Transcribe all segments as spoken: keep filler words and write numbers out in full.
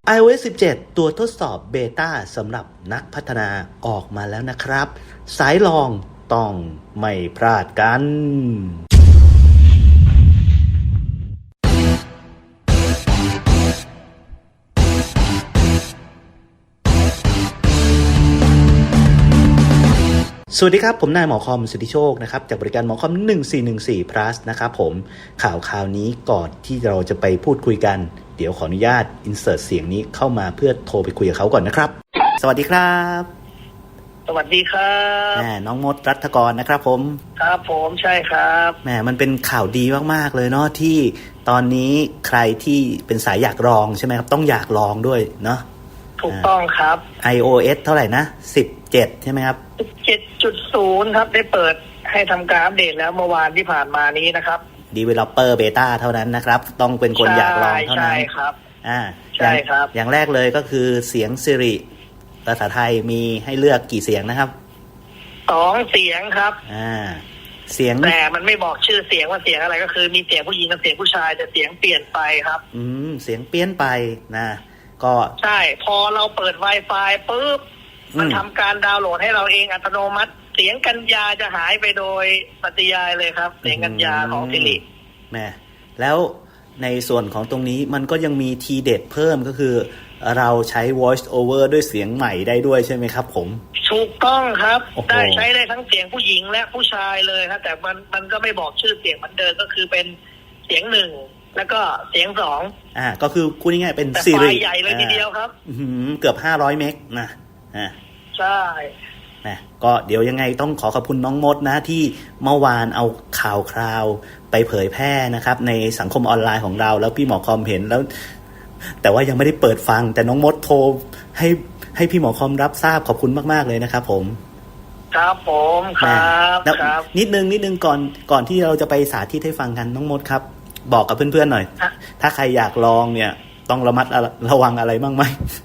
iOS สิบเจ็ด ตัวทดสอบเบต้าสำหรับนักพัฒนาออกมาแล้วนะครับ สายลองต้องไม่พลาดกันสวัสดีครับผมนายหมอคอมสุทธิโชคนะครับจากบริการหมอคอมหนึ่งสี่หนึ่งสี่ plus นะครับผมข่าวข่าวนี้ก่อนที่เราจะไปพูดคุยกันเดี๋ยวขออนุญาต insert เสียงนี้เข้ามาเพื่อโทรไปคุยกับเขาก่อนนะครับสวัสดีครับสวัสดีครับแหมน้องมดรัฐกรนะครับผมครับผมใช่ครับแหมมันเป็นข่าวดีมากๆเลยเนาะที่ตอนนี้ใครที่เป็นสายอยากลองใช่ไหมครับต้องอยากลองด้วยเนาะถูกต้องครับ iOS เท่าไหร่นะสิบเจ็ดใช่ไหมครับสิบเจ็ดจุดศูนย์ ครับได้เปิดให้ทำการอัปเดตแล้วเมื่อวานที่ผ่านมานี้นะครับ Developer Beta เท่านั้นนะครับต้องเป็นคนอยากลองเท่านั้นใช่ครับอ่าใช่ครับอย่างแรกเลยก็คือเสียง Siri ภาษาไทยมีให้เลือกกี่เสียงนะครับสองเสียงครับอ่าเสียงแต่มันไม่บอกชื่อเสียงว่าเสียงอะไรก็คือมีเสียงผู้หญิงกับเสียงผู้ชายแต่เสียงเปลี่ยนไปครับอืมเสียงเปลี่ยนไปนะก็ใช่พอเราเปิด Wi-Fi ปุ๊บมันทำการดาวน์โหลดให้เราเองอัตโนมัติเสียงกัญญาจะหายไปโดยปฏิยายเลยครับเสียงกัญญาของซิริแม่แล้วในส่วนของตรงนี้มันก็ยังมีทีเด็ดเพิ่มก็คือเราใช้ voice over ด้วยเสียงใหม่ได้ด้วยใช่ไหมครับผมถูกต้องครับได้ใช้ได้ทั้งเสียงผู้หญิงและผู้ชายเลยครับแต่มันมันก็ไม่บอกชื่อเสียงมันเดิมก็คือเป็นเสียงหนึ่งแล้วก็เสียงสองอ่าก็คือพูดง่ายๆเป็นซีรีส์ใหญ่เลยทีเดียวครับเกือบห้าร้อยเมกนะอ่าใช่นะก็เดี๋ยวยังไงต้องขอขอบคุณน้องมดนะที่เมื่อวานเอาข่าวคราวไปเผยแพร่นะครับในสังคมออนไลน์ของเราแล้วพี่หมอคอมเห็นแล้วแต่ว่ายังไม่ได้เปิดฟังแต่น้องมดโทรให้ให้พี่หมอคอมรับทราบขอบคุณมากๆเลยนะครับผมครับผมครับครับนิดนึงนิดนึงก่อนก่อนที่เราจะไปสาธิตให้ฟังกันน้องมดครับบอกกับเพื่อนๆหน่อยถ้าใครอยากลองเนี่ยต้องระมัดระวังอะไรบ้างไหม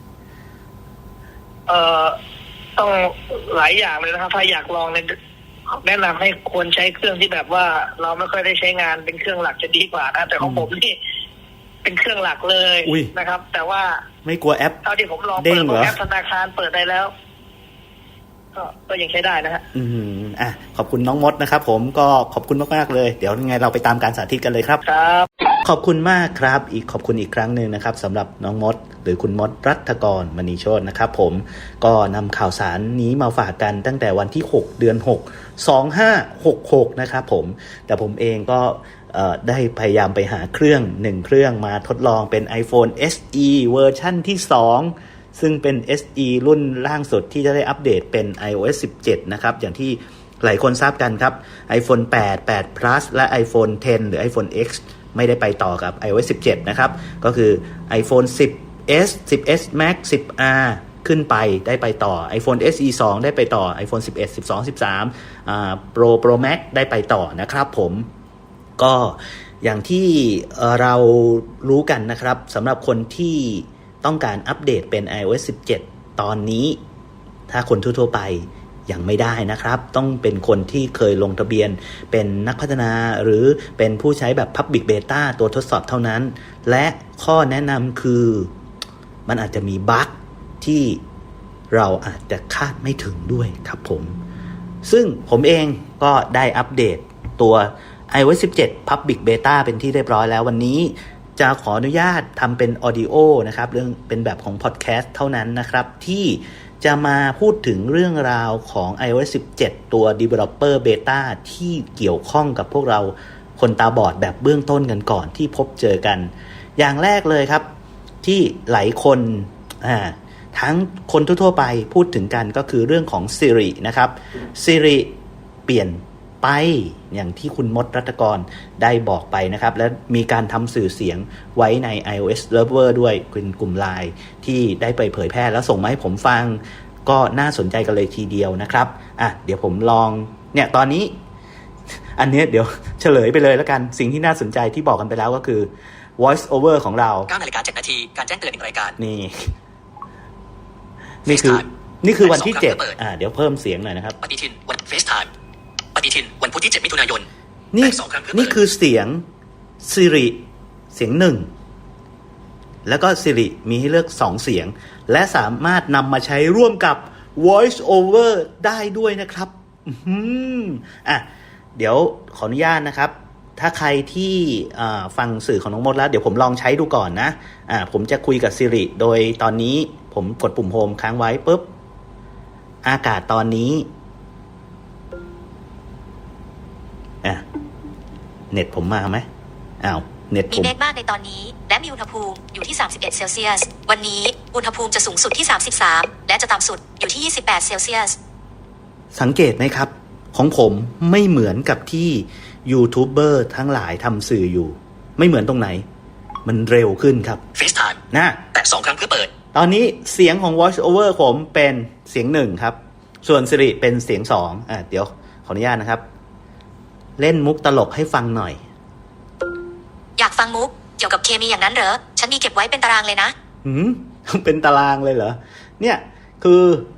เอ่อต้องหลายอย่างเลยนะครับถ้าอยากลองเนี่ยแนะนำให้ควรใช้เครื่องที่แบบว่าเราไม่ค่อยได้ใช้งานเป็นเครื่องหลักจะดีกว่านะแต่ของผมนี่เป็นเครื่องหลักเลยนะครับแต่ว่าไม่กลัวแอปเท่าที่ผมลองเปิดแอปธนาคารเปิดได้แล้วก็ก็ยังใช้ได้นะฮะอืมอ่ะขอบคุณน้องมดนะครับผมก็ขอบคุณมากๆเลยเดี๋ยวยังไงเราไปตามการสาธิตกันเลยครับครับขอบคุณมากครับอีกขอบคุณอีกครั้งหนึ่งนะครับสำหรับน้องมดหรือคุณมดรัฐกรมณีโชตินะครับผมก็นำข่าวสารนี้มาฝากกันตั้งแต่วันที่หกเดือนหก สองพันห้าร้อยหกสิบหกนะครับผมแต่ผมเองก็ได้พยายามไปหาเครื่องหนึ่งเครื่องมาทดลองเป็น iPhone เอส อี เวอร์ชั่นที่สองซึ่งเป็น เอส อี รุ่นล่างสุดที่จะได้อัปเดตเป็น iOS สิบเจ็ดนะครับอย่างที่หลายคนทราบกันครับ iPhone แปด แปด plus และ iPhone เท็น หรือ iPhone X ไม่ได้ไปต่อกับ iOS สิบเจ็ดนะครับก็คือ iPhone สิบ เอส สิบ เอส Max สิบ อาร์ ขึ้นไปได้ไปต่อ iPhone เอส อี สองได้ไปต่อ iPhone สิบเอ็ด สิบสอง สิบสามอ่า Pro Pro Max ได้ไปต่อนะครับผมก็อย่างที่เรารู้กันนะครับสำหรับคนที่ต้องการอัปเดตเป็น iOS สิบเจ็ดตอนนี้ถ้าคนทั่วๆไปยังไม่ได้นะครับต้องเป็นคนที่เคยลงทะเบียนเป็นนักพัฒนาหรือเป็นผู้ใช้แบบ Public Beta ตัวทดสอบเท่านั้นและข้อแนะนำคือมันอาจจะมีบั๊กที่เราอาจจะคาดไม่ถึงด้วยครับผมซึ่งผมเองก็ได้อัปเดตตัว iOS สิบเจ็ด Public Beta เป็นที่เรียบร้อยแล้ววันนี้จะขออนุญาตทำเป็น Audio นะครับเรื่องเป็นแบบของ Podcast เท่านั้นนะครับที่จะมาพูดถึงเรื่องราวของ iOS สิบเจ็ด ตัว Developer Beta ที่เกี่ยวข้องกับพวกเราคนตาบอดแบบเบื้องต้นกันก่อนที่พบเจอกันอย่างแรกเลยครับที่หลายคนอ่าทั้งคนทั่วๆไปพูดถึงกันก็คือเรื่องของ Siri นะครับ Siri เปลี่ยนไปอย่างที่คุณมดรัตกรได้บอกไปนะครับและมีการทำสื่อเสียงไว้ใน iOS Lover ด้วยเป็นกลุ่ม ไลน์ ที่ได้ไปเผยแพร่แล้วส่งมาให้ผมฟังก็น่าสนใจกันเลยทีเดียวนะครับอ่ะเดี๋ยวผมลองเนี่ยตอนนี้อันนี้เดี๋ยวเฉลยไปเลยแล้วกันสิ่งที่น่าสนใจที่บอกกันไปแล้วก็คือ voice over ของเราเก้านาฬิกาเจ็ดนาทีการแจ้งเตือนหนึ่งรายการนี่นี่คือนี่คือวันที่เจ็ดอ่าเดี๋ยวเพิ่มเสียงหน่อยนะครับปฏิทินวัน FaceTimeปฏิทินวันพุธที่เจ็ดมิถุนายนนี่นี่คือเสียง Siri เสียงหนึ่งแล้วก็ Siri มีให้เลือกสองเสียงและสามารถนำมาใช้ร่วมกับ Voice Over ได้ด้วยนะครับอืมอ่ะเดี๋ยวขออนุญาตนะครับถ้าใครที่ฟังสื่อของน้องมดแล้วเดี๋ยวผมลองใช้ดูก่อนนะอ่าผมจะคุยกับ Siri โดยตอนนี้ผมกดปุ่มโฮมค้างไว้ปุ๊บอากาศตอนนี้อ่ะเน็ตผมมาไหมอ้าวเน็ตผมมีเมฆมากในตอนนี้และมีอุณหภูมิอยู่ที่สามสิบเอ็ดเซลเซียสวันนี้อุณหภูมิจะสูงสุดที่สามสิบสามและจะต่ำสุดอยู่ที่ยี่สิบแปดเซลเซียสสังเกตไหมครับของผมไม่เหมือนกับที่ยูทูบเบอร์ทั้งหลายทำสื่ออยู่ไม่เหมือนตรงไหนมันเร็วขึ้นครับ FaceTime นะแตะสองครั้งเพื่อเปิดตอนนี้เสียงของ Voice Over ผมเป็นเสียงหนึ่งครับส่วน Siri เป็นเสียงสองอ่ะเดี๋ยวขออนุญาตนะครับเล่นมุกตลกให้ฟังหน่อยอยากฟังมุกเกี่ยวกับเคมีอย่างนั้นเหรอฉันมีเก็บไว้เป็นตารางเลยนะหืมเป็นตารางเลยเหรอเนี่ยคือ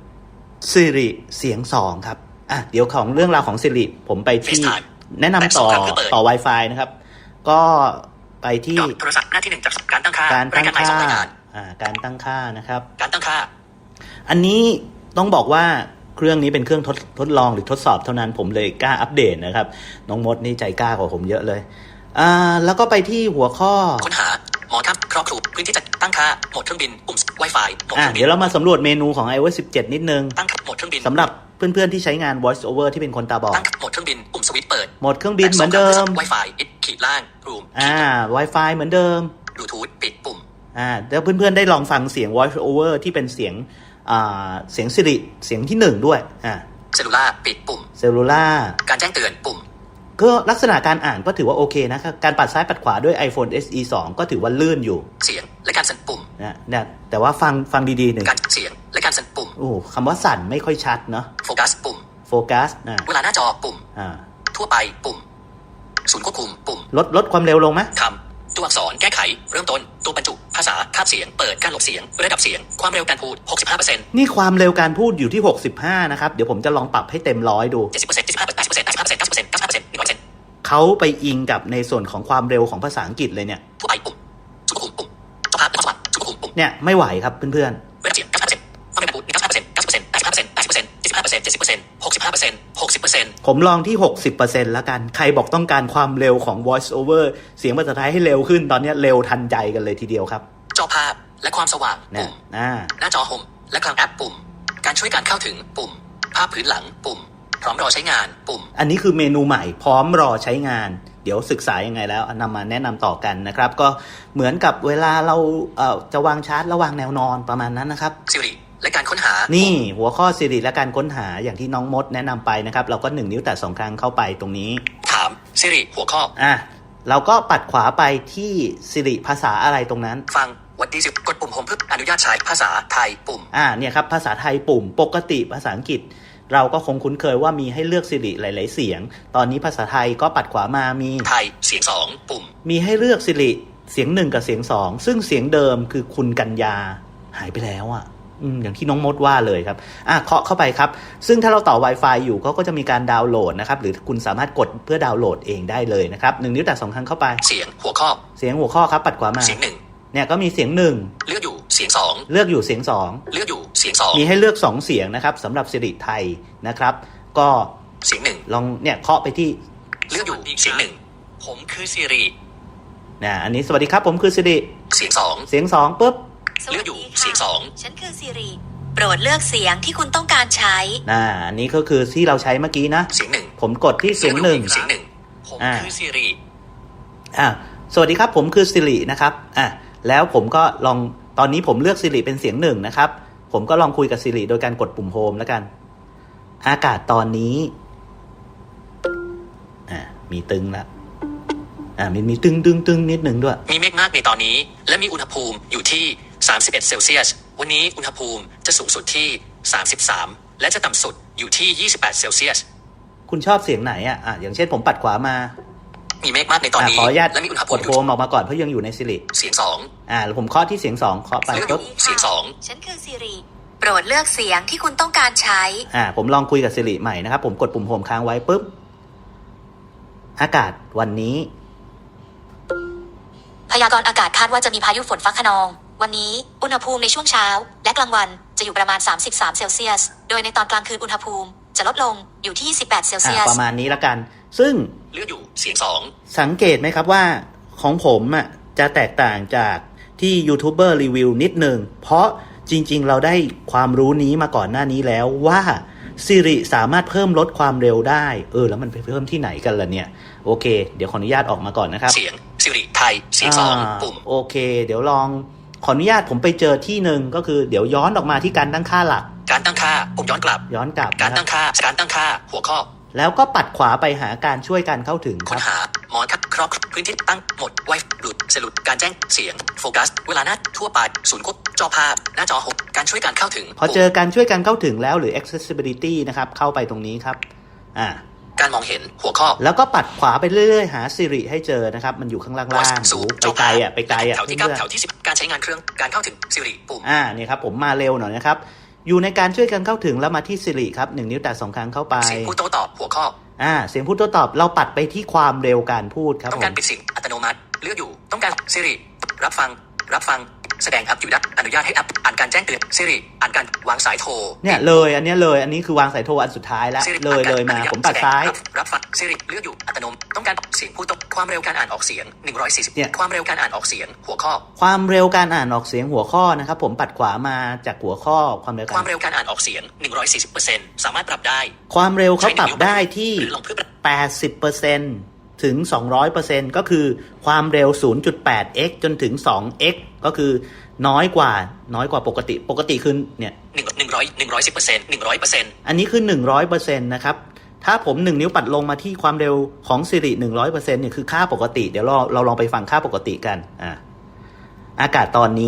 Siri เสียงสองครับอ่ะเดี๋ยวของเรื่องราวของ Siri ผมไปที่แนะนำต่อต่อ Wi-Fi นะครับก็ไปที่โทรศัพท์หน้าที่หนึ่งจากการตั้งค่าการตั้งค่าอ่าการตั้งค่านะครับการตั้งค่าอันนี้ต้องบอกว่าเครื่องนี้เป็นเครื่องทดทดลองหรือทดสอบเท่านั้นผมเลยกล้าอัปเดตนะครับน้องมดนี่ใจกล้ากว่าผมเยอะเลยอ่าแล้วก็ไปที่หัวข้อค้นหาหมอครับครอบคลุมพื้นที่จัดตั้งค่าโหมดเครื่องบินปุ่ม Wi-Fi โหมดเครื่องบินเดี๋ยวเรามาสำรวจเมนูของ ไอ โอ เอส สิบเจ็ดนิดนึงตั้งโหมดเครื่องบินสำหรับเพื่อนๆที่ใช้งาน Voice Over ที่เป็นคนตาบอดตั้งโหมดเครื่องบินปุ่มสวิตช์เปิดโหมดเครื่องบินเหมือนเดิม Wi-Fi ขีดล่างรูมอ่า Wi-Fi เหมือนเดิม Bluetooth ปิดปุ่มอ่าแล้วเพื่อนๆได้ลองฟังเสียง Voice Over ที่เป็นเสียงอ่าเสียง Siri เสียงที่หนึ่งด้วยอ่าเซลลูล่าปิดปุ่มเซลลูล่าการแจ้งเตือนปุ่มก็ลักษณะการอ่านก็ถือว่าโอเคนะครับการปัดซ้ายปัดขวาด้วย iPhone เอส อี สอง ก็ถือว่าลื่นอยู่เสียงและการสั่นปุ่มนะเนี่ยแต่ว่าฟังฟังดีๆหนึ่งการเสียงและการสั่นปุ่มโอ้คำว่าสั่นไม่ค่อยชัดเนาะโฟกัสปุ่มโฟกัสนะเวลาหน้าจอปุ่มอ่าทั่วไปปุ่มศูนย์ควบคุมปุ่มลดลดความเร็วลงไหมคำตัวอักษรแก้ไขเริ่มต้นตัวบรรจุภาษาคาบเสียงเปิดการหลบเสียงระดับเสียงความเร็วการพูด หกสิบห้าเปอร์เซ็นต์นี่ความเร็วการพูดอยู่ที่หกสิบห้านะครับเดี๋ยวผมจะลองปรับให้เต็มร้อยดูเจ็ดสิบเปอร์เซ็นต์ เจ็ดสิบห้าเปอร์เซ็นต์ แปดสิบเปอร์เซ็นต์ เก้าสิบเปอร์เซ็นต์ เก้าสิบเปอร์เซ็นต์ เก้าสิบเปอร์เซ็นต์ หนึ่งร้อยเปอร์เซ็นต์เขาไปอิงกับในส่วนของความเร็วของภาษาอังกฤษเลยเนี่ยทั่วไปปุ่มศูนย์ควบคุมปุ่มสภาพและความสว่างศูนย์ควบคุมปุ่มเนี่ยไม่ไหวครับเพื่อนๆระดับเสียง เก้าสิบเปอร์เซ็นต์ ความเร็วการพูด เก้าสิบห้าเปอร์เซ็นต์ เก้าสิบเปอร์เซ็นต์ แปดสิบห้าเปอร์เซ็นต์ แปดสิบเปอร์เซ็นต์ เจ็ดสิบห้าเปอร์เซ็นต์ เจ็ดสิบเปอร์เซ็นต์ หกสิบห้าเปอร์เซ็นต์ หกสิบเปอร์เซ็นต์ผมลองที่ หกสิบเปอร์เซ็นต์ แล้วกันใครบอกต้องการความเร็วของ Voice Over เสียงภาษาไทยให้เร็วขึ้นตอนนี้เร็วทันใจกันเลยทีเดียวครับจอภาพและความสว่างปุ่มหน้าจอโฮมและกลางแอปปุ่มการช่วยการเข้าถึงปุ่มภาพพื้นหลังปุ่มพร้อมรอใช้งานปุ่มอันนี้คือเมนูใหม่พร้อมรอใช้งานเดี๋ยวศึกษายังไงแล้วนำมาแนะนำต่อกันนะครับก็เหมือนกับเวลาเราเอ่อจะวางชาร์จระวางแนวนอนประมาณนั้นนะครับ Siri และการค้นหานี่หัวข้อ Siri และการค้นหาอย่างที่น้องมดแนะนำไปนะครับเราก็หนึ่งนิ้วแตะสองครั้งเข้าไปตรงนี้ถาม Siri หัวข้ออ่ะเราก็ปัดขวาไปที่ Siri ภาษาอะไรตรงนั้นฟังวัดดีสิกดปุ่มโฮมเพื่ออนุญาตใช้ภาษาไทยปุ่มอ่าเนี่ยครับภาษาไทยปุ่มปกติภาษาอังกฤษเราก็คงคุ้นเคยว่ามีให้เลือก Siri หลายๆเสียงตอนนี้ภาษาไทยก็ปัดขวามามีไทยเสียงสองปุ่มมีให้เลือก Siri เสียงหนึ่งกับเสียงสองซึ่งเสียงเดิมคือคุณกัญญาหายไปแล้วอ่ะอืมอย่างที่น้องมดว่าเลยครับอ่ะเคาะเข้าไปครับซึ่งถ้าเราต่อ Wi-Fi อยู่เขาก็จะมีการดาวน์โหลดนะครับหรือคุณสามารถกดเพื่อดาวน์โหลดเองได้เลยนะครับหนึ่งนิ้วแตะสองครั้งเข้าไปเสียงหัวข้อเสียงหัวข้อครับปัดขวามาเสียงหนึ่งเนี่ยก็มีเสียงหนึ่งเลือกอยู่เสียงสองเลือกอยู่เสียงสองเลือกอยู่เสียงสองมีให้เลือกสองเสียงนะครับสำหรับ Siri ไทยนะครับก็เสียงหนึ่งลองเนี่ยเคาะไปที่เลือกอยู่เสียงหนึ่งผมคือ Siri นะอันนี้สวัสดีครับผมคือ Siri เสียงสองเสียงสองปุ๊บเลือกอยู่เสียงสองฉันคือ Siri โปรดเลือกเสียงที่คุณต้องการใช้น่าอันนี้ก็คือที่เราใช้เมื่อกี้นะเสียงหนึ่งผมกดที่เสียงหนึ่งเสียงหนึ่งผมคือ Siri อ่าสวัสดีครับผมคือ Siri นะครับอ่ะแล้วผมก็ลองตอนนี้ผมเลือก Siri เป็นเสียงหนึ่งนะครับผมก็ลองคุยกับ Siri โดยการกดปุ่มโฮมแล้วกันอากาศตอนนี้อ่ามีตึงแล้วอ่ามีมีตึงตึงตึงนิดหนึ่งด้วยมีเมฆมากในตอนนี้และมีอุณหภูมิอยู่ที่สามสิบเอ็ดเซลเซียสวันนี้อุณหภูมิจะสูงสุดที่สามสิบสามและจะต่ำสุดอยู่ที่ยี่สิบแปดเซลเซียสคุณชอบเสียงไหนอ่ะอ่ะอย่างเช่นผมปัดขวามามีเมฆมากในตอนนี้และมีอุณหภูมิกดโฮมออกมาก่อนเพราะยังอยู่ใน Siri เสียงสองอ่าแล้วผมเคาะที่เสียงสองเคาะไปปุ๊บเสียงสองฉันคือ Siri โปรดเลือกเสียงที่คุณต้องการใช้อ่าผมลองคุยกับ Siri ใหม่นะครับผมกดปุ่มโฮมค้างไว้ปุ๊บอากาศวันนี้อพยากรณ์อากาศคาดว่าจะมีพายุฝนฟ้าคะนอง วันนี้อุณหภูมิในช่วงเช้าและกลางวันจะอยู่ประมาณสามสิบสามเซลเซียสโดยในตอนกลางคืนอุณหภูมิจะลดลงอยู่ที่สิบแปดเซลเซียอ่าสประมาณนี้ละกัน ซึ่งเลือกอยู่เสียงสองสังเกตไหมครับว่าของผมอ่ะจะแตกต่างจากที่ยูทูบเบอร์รีวิวนิดหนึ่งเพราะจริงๆเราได้ความรู้นี้มาก่อนหน้านี้แล้วว่า Siri สามารถเพิ่มลดความเร็วได้เออแล้วมันไปเพิ่มที่ไหนกันล่ะเนี่ยโอเคเดี๋ยวขออนุญาตออกมาก่อนนะครับเสียงสิริไทยเสียงสองอ่าปุ่มโอเค เดี๋ยวลองขออนุญาตผมไปเจอที่หนึ่งก็คือเดี๋ยวย้อนออกมาที่การตั้งค่าหลักการตั้งค่าปุ่มย้อนกลับย้อนกลับการนะคตั้รับงค่าการตั้งค่าหัวข้อแล้วก็ปัดขวาไปหาการช่วยการเข้าถึงคค้รันบหามอนคัดครอบพื้นที่ตั้งหมดไวหลุดสลุดการแจ้งเสียงโฟกัสเวลาหน้าทั่วไปศูนย์ควบจอภาพหน้าจอหกการช่วยการเข้าถึงพอเจอการช่วยการเข้าถึงแล้วหรือ accessibility นะครับเข้าไปตรงนี้ครับอ่าการมองเห็นหัวข้อแล้วก็ปัดขวาไปเรื่อยๆหา Siri ให้เจอนะครับมันอยู่ข้างล่าง Voice ๆสูงไปไกลอ่ะไปไกลอ่ะแถวที่เพื่เก้าอนแถวที่สิบการใช้งานเครื่องการเข้าถึงสิริปุ่มๆอ่านี่ครับผมมาเร็วหน่อยนะครับอยู่ในการช่วยกันเข้าถึงแล้วมาที่ Siri ครับหนึ่งนิ้วแตะสองครั้งเข้าไปเสียงผู้โต้ตอบหัวข้ออ่าเสียงพูดโต้ตอบเราปัดไปที่ความเร็วการพูดครับต้องผการมปิดเสียงอัตโนมัติเลือกอยู่ต้องการสิริรับฟังรับฟังแสดงแอปอยู่ดับอนุญาตให้แอปอ่านการแจ้งเตือนสิริอ่านการวางสายโทรเนี่ยเลยอันเนี้ยเลยอันนี้คือวางสายโทรอันสุดท้ายแล้ว Siri เลยเลยมาอ่นกรผมปัดซ้ายรับรับฟังสิริเลือกอยู่อัตโนมัติต้องการเสียงผู้โต้ความเร็วการอ่านออกเสียงหนึ่งร้อยสี่สิบเนี่ยความเร็วการอ่านออกเสียงหัวข้อความเร็วการอ่านออกเสียงหัวข้อนะครับผมปัดขวามาจากหัวข้อความเร็วคกาวาร มเร็วการอ่านออกเสียงหนึ่งร้อยสี่สิบเปอร์เซ็นต์สามารถปรับได้ความเร็วเขาปรับได้ที่หรือลงเพื่อปรับแปดสิบเปอร์เซ็นต์ ถึง สองร้อยเปอร์เซ็นต์ ก็คือความเร็ว ศูนย์จุดแปดเอ็กซ์ จนถึง สองเอ็กซ์ ก็คือน้อยกว่าน้อยกว่าปกติปกติคือเนี่ยหนึ่งหนึ่งร้อยหนึ่งร้อยสิบเปอร์เซ็นต์หนึ่งร้อยเปอร์เซ็นต์อันนี้คือ หนึ่งร้อยเปอร์เซ็นต์ นะครับถ้าผมหนึ่งนิ้วปัดลงมาที่ความเร็วของ Siri หนึ่งร้อยเปอร์เซ็นต์ เนี่ยคือค่าปกติเดี๋ยวเราเราลองไปฟังค่าปกติกันอ่าอากาศตอนนี้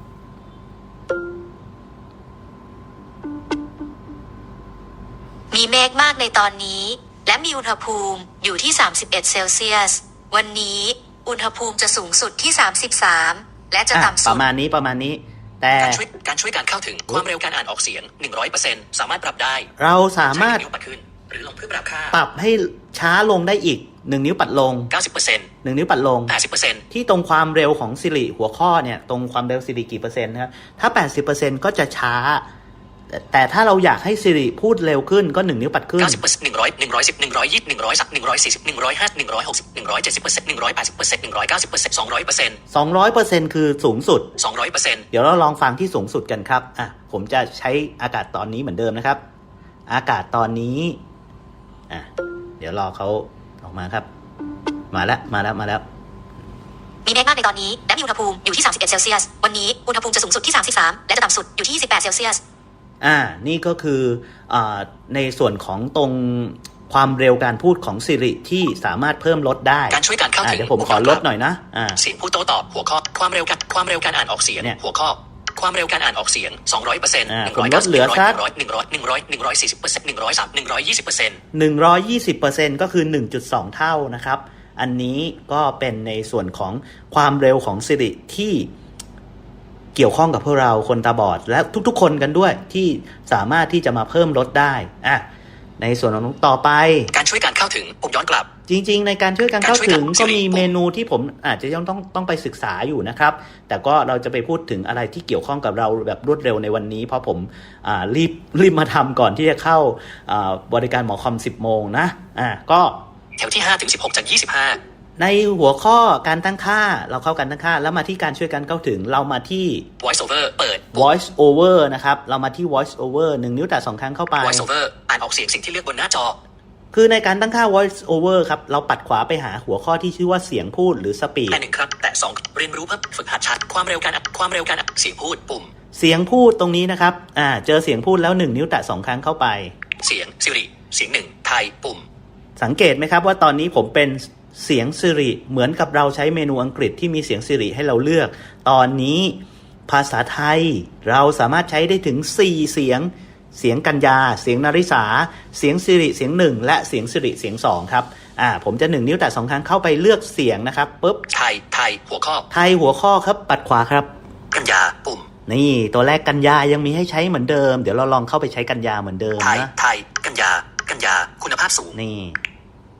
มีเมฆมากในตอนนี้ และมีอุณหภูมิอยู่ที่ สามสิบเอ็ดเซลเซียส วันนี้อุณหภูมิจะสูงสุดที่ สามสิบสาม และจะอ่ะต่ำปสุดระมาณนี้ประมาณนี้ แต่การช่วยการช่วยการเข้าถึงความเร็วการอ่านออกเสียงหนึ่งร้อยเปอร์เซ็นต์สามารถปรับได้เราสามารถใช้นิ้วปัดขึ้นหรือลงเพื่อปรับค่าปรับให้ช้าลงได้อีกหนึ่งนิ้วปัดลงเก้าสิบเปอร์เซ็นต์หนึ่งนิ้วปัดลงแปดสิบเปอร์เซ็นต์ที่ตรงความเร็วของ Siri หัวข้อเนี่ยตรงความเร็ว Siri กี่เปอร์เซ็นต์นะครับถ้า แปดสิบเปอร์เซ็นต์ ก็จะช้า แต่แต่ถ้าเราอยากให้ Siri พูดเร็วขึ้นก็หนึ่งนิ้วปัดขึ้นเก้าสิบเปอร์เซ็นต์หนึ่งร้อยหนึ่งร้อยสิบหนึ่งร้อยยี่สิบหนึ่งร้อยสักหนึ่งร้อยสี่สิบหนึ่งร้อยห้าหนึ่งร้อยหกสิบหนึ่งร้อยเจ็ดสิบเปอร์เซ็นต์หนึ่งร้อยแปดสิบเปอร์เซ็นต์หนึ่งร้อยเก้าสิบเปอร์เซ็นต์สองร้อยเปอร์เซ็นต์สองร้อยเปอร์เซ็นต์ คือสูงสุดสองร้อยเปอร์เซ็นต์เดี๋ยวเราลองฟังที่สูงสุดกันครับอ่ะผมจะใช้อากาศตอนนี้เหมือนเดิมนะครับ อากาศตอนนี้อ่ะเดี๋ยวรอเขาออกมาครับ มาแล้วมาแล้วมาแล้วมีเมฆมากในตอนนี้ และมีอุณหภูมิอยู่ที่ สามสิบเอ็ดเซลเซียส วันนี้อุณหภูมิจะสูงสุดที่ สามสิบสาม และจะต่ำสุดอยู่ที่ สิบแปดเซลเซียสอ่า นี่ก็คืออ่าในส่วนของตรงความเร็วการพูดของ Siri ที่สามารถเพิ่มลดได้การช่วยการเข้าอ่าถึงเดี๋ยวผมขอลดหน่อยนะอ่าเสียงผู้โต้ตอบหัวข้อความเร็วการความเร็วการอ่านออกเสียงเนี่ยหัวข้อความเร็วการอ่านออกเสียงสองร้อยเปอร์เซ็นต์อ่าหนึ่งผมร้อยลเก้าดสิบเหลือสักหนึ่งร้อยหนึ่งร้อยหนึ่งร้อยหนึ่งร้อยสี่สิบเปอร์เซ็นต์หนึ่งร้อยสามหนึ่งร้อยยี่สิบเปอร์เซ็นต์หนึ่งร้อยยี่สิบเปอร์เซ็นต์ ก็คือ หนึ่งจุดสอง เท่านะครับ อันนี้ก็เป็นในส่วนของความเร็วของ Siri ที่เกี่ยวข้องกับพวกเราคนตาบอดและทุกๆ คนกันด้วยที่สามารถที่จะมาเพิ่มลดได้อ่ะในส่วนของต่อไปการช่วยการเข้าถึงปุ่มย้อนกลับจริงๆ ในการช่วยกันเข้าถึงการช่วยกันก็มีเมนูที่ผมอาจจะยังต้องต้องไปศึกษาอยู่นะครับ แต่ก็เราจะไปพูดถึงอะไรที่เกี่ยวข้องกับเราแบบรวดเร็วในวันนี้ เพราะผมอ่ารีบรีบมาทำก่อนที่จะเข้าอ่าบริการหมอคอมสิบโมงนะอ่าก็แถวที่ห้าถึงสิบหกจากยี่สิบห้าในหัวข้อการตั้งค่าเราเข้ากันตั้งค่าแล้วมาที่การช่วยกันเข้าถึงเรามาที่ voice over เปิด voice over นะครับเรามาที่ voice over หนึ่งนิ้วแตะสองครั้งเข้าไป voice over อ่านออกเสียงสิ่งที่เลือกบนหน้าจอคือในการตั้งค่า voice over ครับเราปัดขวาไปหาหัวข้อที่ชื่อว่าเสียงพูดหรือ speed แต่หนึ่งครับแต่สองเรียนรู้เพิ่มฝึกหัดชัดความเร็วการอ่านความเร็วการอ่านเสียงพูดปุ่มเสียงพูดตรงนี้นะครับอ่าเจอเสียงพูดแล้วหนึ่งนิ้วแตะสองครั้งเข้าไปเสียงซิริเสียงหนึ่งไทยปุ่มสังเกตไหมครับว่าตอนนี้ผมเป็นเสียง Siri เหมือนกับเราใช้เมนูอังกฤษที่มีเสียง Siri ให้เราเลือก ตอนนี้ภาษาไทยเราสามารถใช้ได้ถึงสี่เสียงเสียงกัญญาเสียงนาริสาเสียง Siri เสียงหนึ่งและเสียง Siri เสียงสองครับอ่าผมจะหนึ่งนิ้วแตะสองครั้งเข้าไปเลือกเสียงนะครับปุ๊บไทยไทยหัวข้อไทยหัวข้อครับปัดขวาครับกัญญาปุ่มนี่ตัวแรกกัญญายังมีให้ใช้เหมือนเดิมเดี๋ยวเราลองเข้าไปใช้กัญญาเหมือนเดิมไทยนะไทยกัญญากัญญาคุณภาพสูงนี่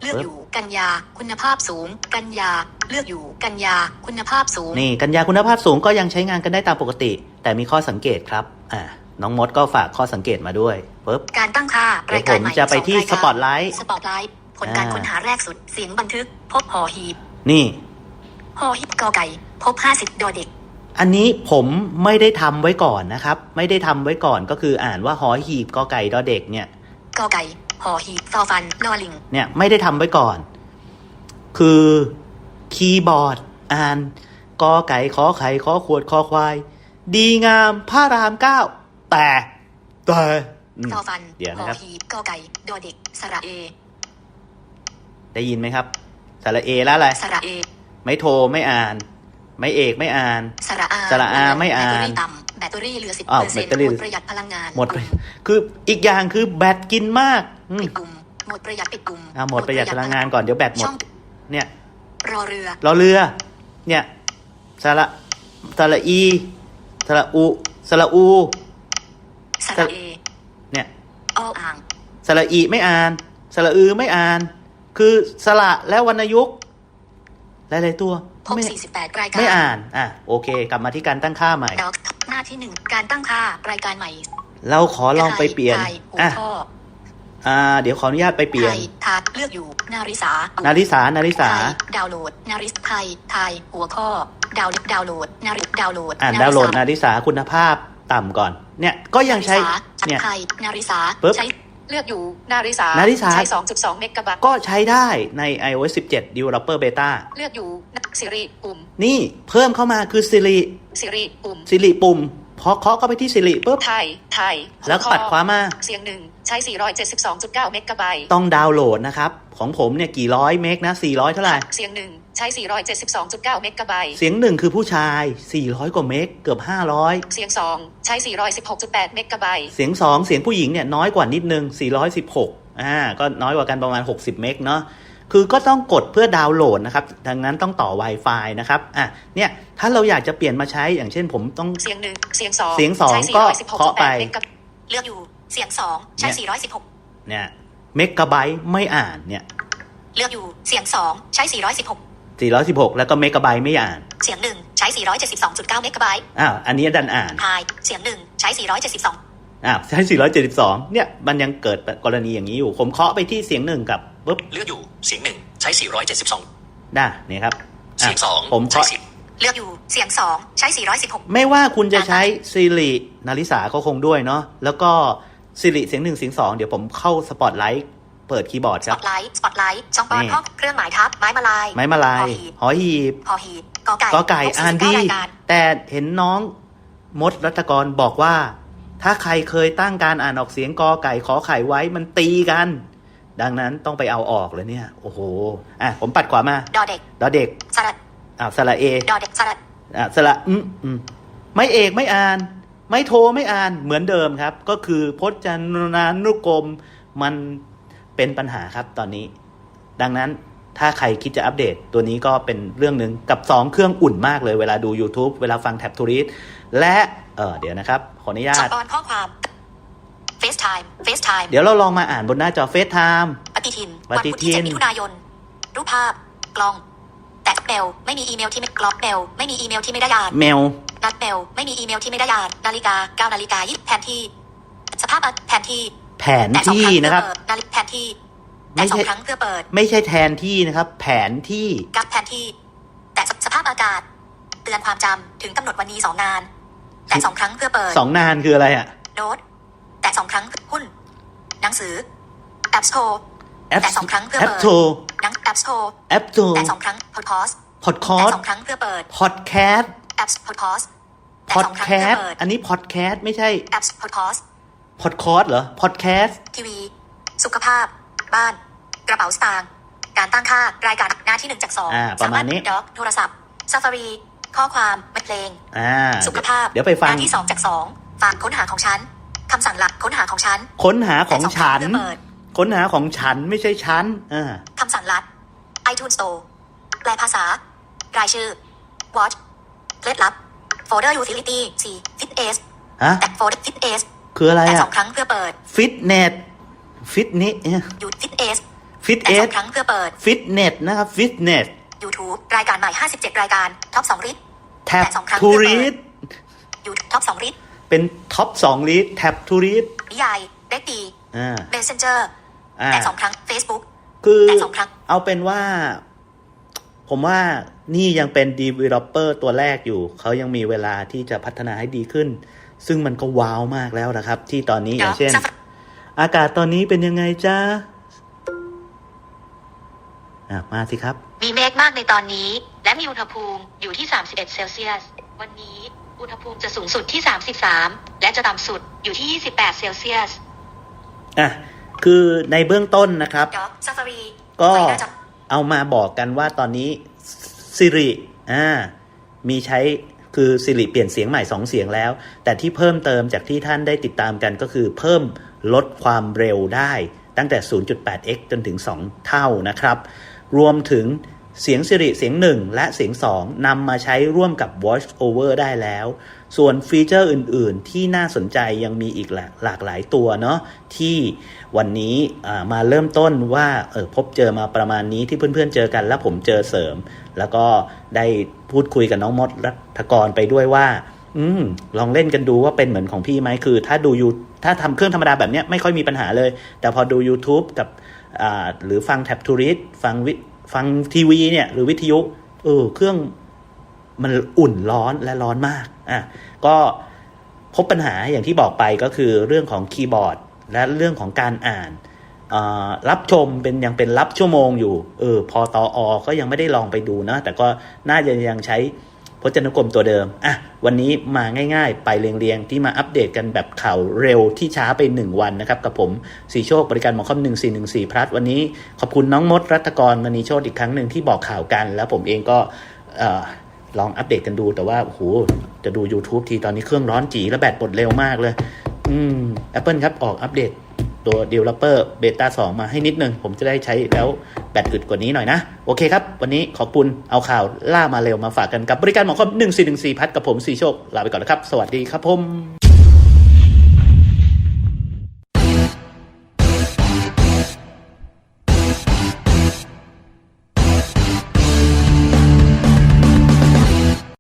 เลือกอยู่กันยาคุณภาพสูงกันยาเลือกอยู่กันยาคุณภาพสูงนี่กันยาคุณภาพสูงก็ยังใช้งานกันได้ตามปกติ แต่มีข้อสังเกตครับอ่าน้องมดก็ฝากข้อสังเกตมาด้วยปึ๊บการตั้งค่าเดี๋ยวรายการใหม่ผมจะไปที่สองรายการ Spotlight สปอตไลท์ผลการอ่าค้นหาแรกสุดเสียงบันทึกพบหอหีบนี่หอหีบกอไก่พบห้าสิบดอเด็กอันนี้ผมไม่ได้ทำไว้ก่อนนะครับไม่ได้ทำไว้ก่อนก็คืออ่านว่าหอหีบกอไก่ดอเด็กเนี่ยกอไก่หอหีบฟอฟันลอลิงเนี่ยไม่ได้ทำไว้ก่อน คือคีย์บอร์ดอ่านกอไก่ขอไข่ขอขวดคอควาย ดีงามพระรามเก้าแต่แต่อืมฟอฟันเดี๋ยวหนะอครับหีบกอไก่ดอเด็กสระเอได้ยินไหมครับสระเอแล้วอะไรสระเอไม่โทรไม่อ่าน ไม่เอกไม่อ่านสระอาสระอาไม่อ่านแบตเตอรี่ต่ำแบตเตอรี่เหลือสิบอ้าวเปอร์เซ็นต์แบตเตอรี่หมดประหยัดพลังงานหมดไปคืออีกอย่างคือแบตกินมากอืมปิดกลุ่มหมดประหยัดปิดกลุ่มอ่าหมดประหยัดพลังงานก่อนเดี๋ยวแบตหมดช่องเนี่ยรอเรือรอเรือ เนี่ยสระสระอีสระอุสระอูสระเอเนี่ยออ่างสระอีไม่อ่านสระอือไม่อ่าน คือสระและวรรณยุกต์หลายๆตัวพบไม่สี่สิบแปดรายการไม่อ่านอ่ะโอเค กลับมาที่การตั้งค่าใหม่ด็อกหน้าที่หนึ่งการตั้งค่ารายการใหม่เราขอลองไปเปลี่ยนไทหัวอ่ะข้ออ่า เดี๋ยวขออนุญาตไปเปลี่ยไทนยทาเลือกอยู่นาริสานาริสานาริสาไทยดาวน์โหลดนาริสไทยไทยหัวข้อดาวน์ดาวน์โหลดนาริดาวน์โหลดอ่านดาวน์โหลดนาริสาคุณภาพต่ำก่อน เนี่ยก็ยังใช้นาริสาเนี่ยไทยนาริสาปึ๊บใช้เลือกอยู่นาริสานาริสาใช้ สองจุดสอง เมกะบัตต์ก็ใช้ได้ใน ไอโอเอส สิบเจ็ด Developer Beta เลือกอยู่สิริปุ่มนี่เพิ่มเข้ามาคือ Siri สิริปุ่ม Siri ปุ่มพอเคาะเข้าไปที่ Siri ปุ๊บไทยไทยแล้วก็ปัดขวามาเสียงหนึ่งใช้ สี่ร้อยเจ็ดสิบสองจุดเก้า เมกะไบต์ต้องดาวน์โหลดนะครับ ของผมเนี่ยกี่ร้อยเมกนะ สี่ร้อยเท่าไหร่เสียงหนึ่งใช้ สี่ร้อยเจ็ดสิบสองจุดเก้า เมกะไบต์เสียงหนึ่งคือผู้ชาย สี่ร้อยกว่าเมกเกือบ ห้าร้อยเสียงสองใช้ สี่ร้อยสิบหกจุดแปด เมกะไบต์เสียงสองเสียงผู้หญิงเนี่ยน้อยกว่านิดนึง สี่ร้อยสิบหก อ่า ก็น้อยกว่ากันประมาณ หกสิบ เมกเนาะ คือก็ต้องกดเพื่อดาวน์โหลดนะครับ ดังนั้นต้องต่อ Wi-Fi นะครับ อ่ะ เนี่ย ถ้าเราอยากจะเปลี่ยนมาใช้ อย่างเช่นผมต้องเสียงหนึ่งเสียงสองเสียงสองใช้ก็สี่ร้อยสิบหกจุดแปดเคาะไปเมกะเลือกอยู่เสียงสองใช้ สี่ร้อยสิบหกเนี่ยเมกะไบต์ไม่อ่านเนี่ยเลือกอยู่เสียงสองใช้ สี่ร้อยสิบหกสี่ร้อยสิบหก แล้วก็เมกะไบต์ไม่อ่านเสียงหนึ่งใช้ สี่ร้อยเจ็ดสิบสองจุดเก้า เมกะไบต์อ้าว อันนี้ดันอ่านไฮเสียงหนึ่งใช้ สี่ร้อยเจ็ดสิบสองอ้าว ใช้ สี่ร้อยเจ็ดสิบสอง เนี่ย มันยังเกิดกรณีอย่างนี้อยู่ ผมเคาะไปที่เสียงหนึ่งกับปุ๊บเลือกอยู่เสียงหนึ่งใช้ สี่ร้อยเจ็ดสิบสองได้นี่ครับอ่ะเสียงสองผมใช้เคาะสิบเลือกอยู่เสียงสองใช้ สี่ร้อยสิบหกไม่ว่าคุณจะใช้ Siri นาริสาก็คงด้วยเนาะ แล้วก็ Siri เสียงหนึ่งเสียงสองเดี๋ยวผมเข้า Spotlight เปิดคีย์บอร์ดสคปรัอบ ตไลท์สปอตไลท์ช่องปอนนี่ห้องเครื่องหมายทับไม้มาลายไม้มาลาย หอหีบพอหีบกอไก่กอไก่ครบอ่านสี่ดีสิบเก้รายการแต่เห็นน้องมดรัตกรบอกว่า ถ้าใครเคยตั้งการอ่านออกเสียงกอไก่ขอไข่ไว้มันตีกัน ดังนั้นต้องไปเอาออกเลยเนี่ย โอ้โห อ่ะ ผมปัดขวามาดอเด็กดอเด็กสระอ่าสระเอดอเด็กสระอ่าสระอืมอืมไม่เอกไม่อ่าน ไม่โทรไม่อ่านเหมือนเดิมครับ ก็คือพจนานุกรมมันเป็นปัญหาครับตอนนี้ ดังนั้นถ้าใครคิดจะอัปเดตตัวนี้ก็เป็นเรื่องหนึ่งกับสองเครื่องอุ่นมากเลยเวลาดู YouTube เวลาฟังแท็บทูริสและเออเดี๋ยวนะครับ ขออนุญาช่อตงปอนข้อความเฟซไทม์เฟซไทม์เดี๋ยวเราลองมาอ่านบนหน้าจอเฟซไทม์ปฏิทินปวันฏิพุธทิที่นเจ็ดมิถุนายน รูปภาพ กล้อง แตะเมลไม่มีอีเมลที่ไม่กล็อกเมลไม่มีอีเมลที่ไม่ได้อ่านเมลนัดเมลไม่มีอีเมลที่ไม่ได้อ่านนาฬิกาเก้านาฬิกายี่สิบแผนที่ สภาพแผนที่แผนแตะสองที่ครั้งเพื่อนะครับเปิดนาฬิกาแผนที่ไม่แตะสอใช่งครั้งเพื่อเปิดไม่ใช่แทนที่นะครับ แผนที่กับแผนที่ แตะสภาพอากาศ เตือนความจำถึงกำหนดวันนี้สองงาน แตะสองครั้งเพื่อเปิดสองนานคืออะไรอ่ะโน้ตแตะสองครั้งหุ้น หนังสือ App Store แอปแตะสองครั้งเพื่อแอปเปิดโทรหนัง App Store แอปโทรแตะสองครั้ง Podcast พอดคอแตะสสองครั้งเพื่อเปิดพอดแคสต์ App Podcast แตะพอสดองครั้งแคเพื่อสต์เปิดอันนี้พอดแคสต์ไม่ใช่ App Podcast พอดคอสเหรอพอดแคสต์ทีวี สุขภาพ บ้าน กระเป๋าสตางค์การตั้งค่ารายการหน้าที่หนึ่งจากสองอ่าประมาณนี้ด็อกโทรศัพท์ซาฟารีข้อความเพลงอ่าสุขภาพเดี๋ยวไปฟัหงน้าที่สองจากสองฝากค้นหาของฉันคำสั่งหลักค้นหาของฉันค้นหาของฉันแตะสองครั้งเพื่อเปิดค้นหาของฉันไม่ใช่ฉันอ่าคำสั่งลัด iTunes Store แปลภาษารายชื่อ Watch เคล็ดลับ Folder Utility สี่ Fit S ฮะแตะ Folder Fit S คืออะไรแตะสอ่ะองครั้งเพื่อเปิดฟิตเนสฟิตเนสหยุด Fit S ฟิตแต่เอสอสงครั้งเพื่อเปิดฟิตเนสนะครับฟิตเนส YouTube รายการใหม่ห้าสิบเจ็ดรายการท็อปสองลิสต์แท็บแต่สองครั้งทูเพื่อเปิรีดด YouTube ท็อปสองลิสต์เป็นท็อปสองลีดแท็บทูรีดนิยายเด็กดีอ่า Messenger อ่าแต่สองครั้ง Facebook คือแต่สองครั้งเอาเป็นว่า ผมว่านี่ยังเป็น developer ตัวแรกอยู่ เขายังมีเวลาที่จะพัฒนาให้ดีขึ้น ซึ่งมันก็ว้าวมากแล้วนะครับ ที่ตอนนี้อย่างเช่น อากาศตอนนี้เป็นยังไงจ้าอ่ะมาสิครับมีเมฆมากในตอนนี้ และมีอุณหภูมิอยู่ที่สามสิบเอ็ดเซลเซียสวันนี้อุณหภูมิจะสูงสุดที่สามสิบสามและจะต่ำสุดอยู่ที่ยี่สิบแปดเซลเซียสอ่ะ คือในเบื้องต้นนะครับด็อกซาฟารีก็เอามาบอกกันว่าตอนนี้ Siri อ่า มีใช้คือ Siri เปลี่ยนเสียงใหม่สองเสียงแล้ว แต่ที่เพิ่มเติมจากที่ท่านได้ติดตามกันก็คือเพิ่มลดความเร็วได้ตั้งแต่ ศูนย์จุดแปดเอ็กซ์ จนถึงสองเท่านะครับ รวมถึงเสียง Siri เสียงหนึ่งและเสียงสองนำมาใช้ร่วมกับ Voice Over ได้แล้ว ส่วนฟีเจอร์อื่นๆที่น่าสนใจยังมีอีกหลากหลายตัวเนาะที่วันนี้มาเริ่มต้นว่าเออพบเจอมาประมาณนี้ที่เพื่อนๆเจอกันแล้วผมเจอเสริม แล้วก็ได้พูดคุยกับน้องมดรัฐกรไปด้วยว่าอืมลองเล่นกันดูว่าเป็นเหมือนของพี่ไหมคือถ้าดูยูถ้าทำเครื่องธรรมดาแบบเนี้ยไม่ค่อยมีปัญหาเลยแต่พอดู YouTube กับอ่าหรือฟังแท็บทูริสฟังวิฟังทีวีเนี่ยหรือวิทยุเออเครื่องมันอุ่นร้อนและร้อนมากอ่ะก็พบปัญหาอย่างที่บอกไปก็คือเรื่องของคีย์บอร์ดและเรื่องของการอ่านรับชมเป็นยังเป็นรับชั่วโมงอยู่เออพอตออก็ยังไม่ได้ลองไปดูนะแต่ก็น่าจะยังใช้พจนานุกรมตัวเดิมอ่ะวันนี้มาง่ายๆไปเรียงๆที่มาอัปเดตกันแบบข่าวเร็วที่ช้าไปหนึ่งวันนะครับกับผมสีโชคบริการหมอคอมหนึ่งสี่หนึ่งสี่พลัสวันนี้ขอบคุณน้องมดรัตกรมณีโชติอีกครั้งหนึ่งที่บอกข่าวกันแล้วผมเองก็เอ่อลองอัปเดตกันดูแต่ว่าโอ้โหจะดู YouTube ทีตอนนี้เครื่องร้อนจีและแบตหมดเร็วมากเลยอืม Apple ครับออกอัปเดตตัว Developer Beta สองมาให้นิดนึงผมจะได้ใช้แล้วแบตอึดกว่านี้หน่อยนะโอเคครับวันนี้ขอบคุณเอาข่าวล่ามาเร็วมาฝากกันกับบริการหมอคอมหนึ่งสี่หนึ่งสี่พัดกับผมสีโชคลาไปก่อนนะครับสวัสดีครับผม